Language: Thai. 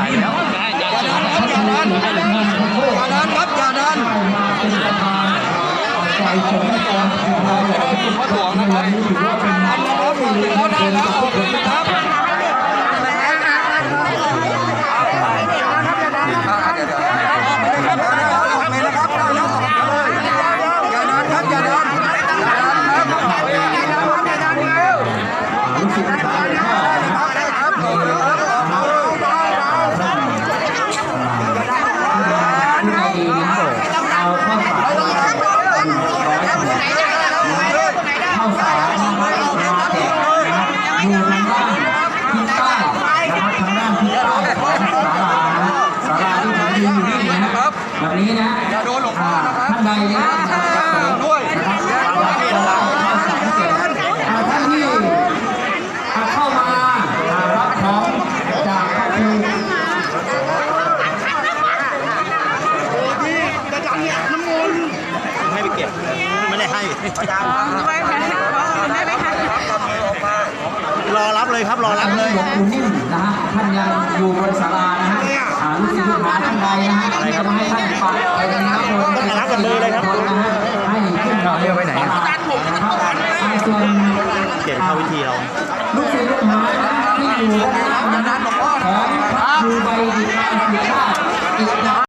อย่าดันครับอย่าดันใจชมกองพระหลวงนะครับเขาได้แล้วโอเคครับแบบนี้นะท่านใดด้วยท่านที่เข้ามารับของจากพระครูให้ไปเก็บไม่ได้ให้รอรับเลยครับรอรับเลยหลวงปู่นิ่มนะฮะท่านยังอยู่บนศาลานะฮะลูกศิษย์ลูกหาท่านใดนะฮะจะมาให้ท่านฝากไปนะครับรับกันเลยครับให้ขึ้นเราเรียกไปไหนนะครับส่วนเขียนเข้าวิธีเราลูกศิษย์ลูกหาที่อยู่ด้านหน้าของพระครูใบดิบาสิทธา